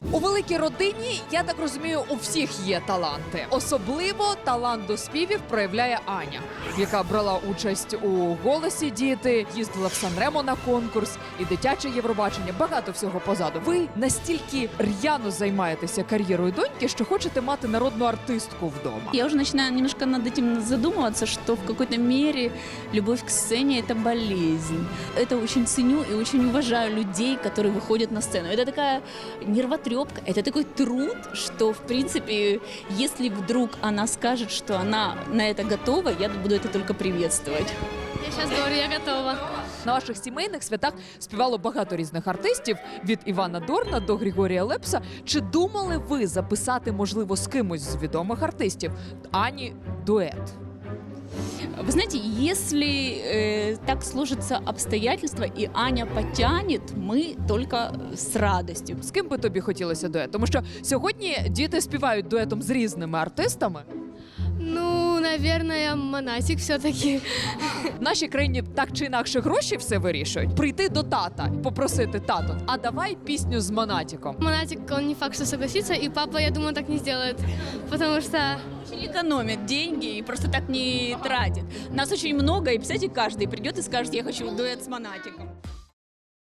У великій родині, я так розумію, у всіх є таланти. Особливо талант до співів проявляє Аня, яка брала участь у «Голосі діти», їздила в Сан-Ремо на конкурс і дитяче Євробачення. Багато всього позаду. Ви настільки р'яно займаєтеся кар'єрою доньки, що хочете мати народну артистку вдома. Я уже начинаю немножко над этим задумываться, что в какой-то мере любовь к сцене – это болезнь. Это очень ценю и очень уважаю людей, которые выходят на сцену. Это такая нервотрепка, это такой труд, что, в принципе, если вдруг она скажет, что она на это готова, я буду это только приветствовать. Я сейчас говорю, я готова. На ваших сімейних святах співало багато різних артистів, від Івана Дорна до Григорія Лепса. Чи думали ви записати, можливо, з кимось з відомих артистів Ані дует? Вы знаете, если так сложатся обстоятельства и Аня потянет, мы только с радостью. З ким би тобі хотілося дует? Тому що сьогодні діти співають дуетом з різними артистами. Ну, наверное, Монатик все-таки. В нашій країні так чи інакше гроші все вирішують. Прийти до тата, попросити тато, а давай пісню з Монатіком. Монатик, он не факт, что согласится, и папа, я думаю, так не сделает, потому что... Очень экономит деньги и просто так не тратит. Нас очень много, и, представляете, каждый придет и скажет, я хочу дуэт с Монатиком.